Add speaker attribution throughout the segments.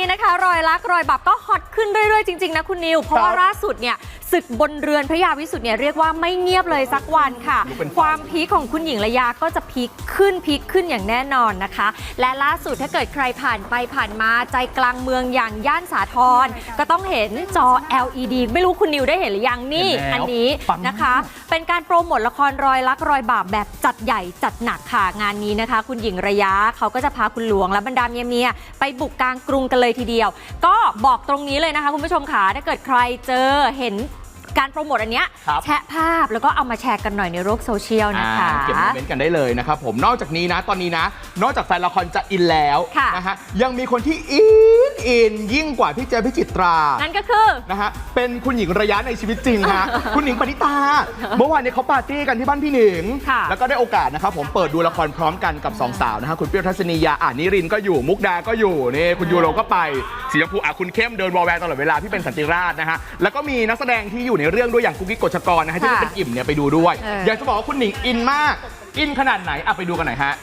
Speaker 1: นะคะรอยรักรอยบาปก็ฮอตขึ้นเรื่อยๆจริงๆนะคุณนิวเพราะว่าล่าสุดเนี่ยศึกบนเรือนพระยาวิสุทธิ์เนี่ยเรียกว่าไม่เงียบเลยสักวันค่ะความพีคของคุณหญิงระยาก็จะพีคขึ้นอย่างแน่นอนนะคะและล่าสุดถ้าเกิดใครผ่านไปผ่านมาใจกลางเมืองอย่างย่านสาทรก็ต้องเห็นจอ LED ไม่รู้คุณนิวได้เห็นหรือยังนี่อันนี้นะคะเป็นการโปรโมทละครรอยรักรอยบาปแบบจัดใหญ่จัดหนักค่ะงานนี้นะคะคุณหญิงระยะเขาก็จะพาคุณหลวงและบรรดาเมียไปบุกกลางกรุงกันเลยทีเดียวก็บอกตรงนี้เลยนะคะคุณผู้ชมค่ะถ้าเกิดใครเจอเห็นการโปรโมทอันเนี้ยแชะภาพแล้วก็เอามาแชร์กันหน่อยในโลกโซเชียลนะคะ
Speaker 2: เก็บโมเมนต์กันได้เลยนะครับผมนอกจากนี้นะตอนนี้นะนอกจากแฟนละครจะอินแล้วนะฮะยังมีคนที่อินยิ่งกว่าพี่เจพิจิตรา
Speaker 1: นั่นก็คือ
Speaker 2: นะฮะเป็นคุณหญิงระยะในชีวิตจริงฮะ คุณหญิงปณิตาเมื่อวานนี้เขาปาร์ตี้กันที่บ้านพี่หนิงแล้วก็ได้โอกาสนะครับผมเปิดดูละครพร้อมกันกับ2 สาวนะฮะคุณเปรี้ยวทัศนียานิรินก็อยู่มุกดาก็อยู่นี่คุณยูโรก็ไปสีชมพูคุณเข้มเดินวอลแวร์ตลอดเวลาพี่เป็นสันติราชนะฮะแล้วก็มีนักแสดงที่อยู่ในเรื่องด้วยอย่างกุ๊กกิ๊กกฎชกรนะฮะที่เป็นอิ่มเนี่ยไปดูด้วยอยากจะบอกว่าคุณหนิงอินมากอินขนาดไหนไปดูกันหน่อยฮะ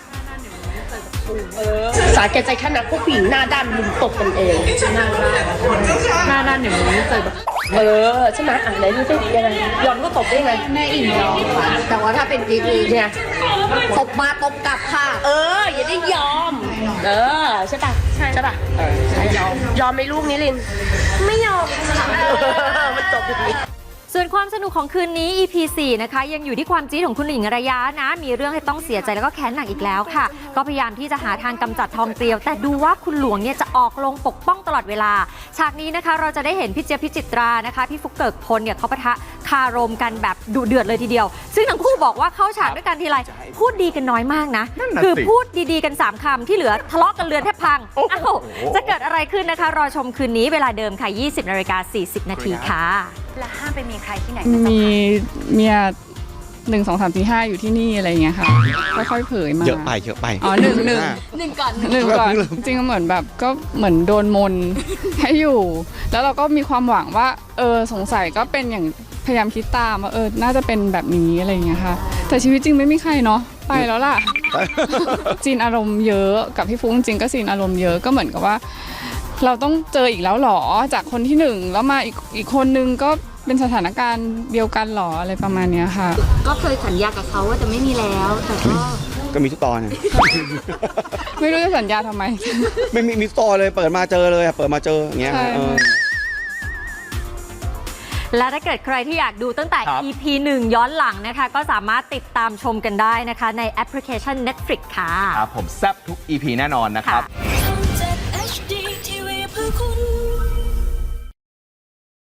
Speaker 3: สาแก่ใจขนาดพวกผู้หญิงหน้าด้านลุมตบกันเองหน้าด้านอย่างนี้เจอแบบใช่ไหมไหนดูสิยังไงยอมก็ตบได้ไง
Speaker 4: แม่อิ่มยอมค่ะแต่ว่าถ้าเป็นกิ๊ก
Speaker 3: เนี่ย
Speaker 4: ตบมาตบกลับค่ะ
Speaker 3: อย่าได้ยอมใช่ป่ะใช่ป่ะยอมไหมลูกนิริน
Speaker 4: ไม่ยอม
Speaker 3: มันจบอย่างนี้
Speaker 1: ส่วนความสนุกของคืนนี้ EP 4 นะคะยังอยู่ที่ความจี๊ดของคุณหญิงระยะนะมีเรื่องให้ต้องเสียใจแล้วก็แค้นหนักอีกแล้วค่ะก็พยายามที่จะหาทางกำจัดทองเกลียวแต่ดูว่าคุณหลวงเนี่ยจะออกลงปกป้องตลอดเวลาฉากนี้นะคะเราจะได้เห็นพี่เจี๊ยบพิจิตรานะคะพี่ฟุกเกิกพลเนี่ยเขาปะทะคารมกันแบบดุเดือดเลยทีเดียวซึ่งทั้งคู่บอกว่าเข้าฉากด้วยกันทีไรพูดดีกันน้อยมากนะคือพูดดีๆกัน3 คำที่เหลือทะเลาะกันเรือนแทบพังจะเกิดอะไรขึ้นนะคะรอชมคืนนี้เวลาเดิมค่ะ 20:40 นาทีค่ะ
Speaker 4: และห้ามไปมีใครที่ไหน
Speaker 5: มีเมีย1 2 3 4 5อยู่ที่นี่อะไรอย่างเงี้ยค่ะค่อยๆเผยมา
Speaker 2: เยอะไป
Speaker 5: หนึ่งก่อนจริงๆเหมือนแบบก็เหมือนโดนมนให้อยู่แล้วเราก็มีความหวังว่าสงสัยก็เป็นอย่างพยายามคิดตามว่าน่าจะเป็นแบบนี้อะไรอย่างเงี้ยค่ะแต่ชีวิตจริงไม่มีใครเนาะไปแล้วล่ะจีนอารมณ์เยอะกับพี่ฟุ้งจริงก็จีนอารมณ์เยอะก็เหมือนกับว่าเราต้องเจออีกแล้วหรอจากคนที่1แล้วมาอีกคนนึงก็เป็นสถานการณ์เดียวกันหรออะไรประมาณนี้ค่ะ
Speaker 4: ก็เคยสัญญากับเขาว่าจะไม่มีแล้วแต่
Speaker 2: ก็มีทุกตอน
Speaker 5: ไม่รู้จะสัญญาทำไม
Speaker 2: ไม่มีตอนเลยเปิดมาเจอเลยเปิดมาเจออย่างเงี้ย
Speaker 1: และถ้าเกิดใครที่อยากดูตั้งแต่ EP 1 ย้อนหลังนะคะก็สามารถติดตามชมกันได้นะคะในแอปพลิเคชัน Netflix ค่ะ
Speaker 2: ครับผมแซ่บทุก EP แน่นอนนะครับ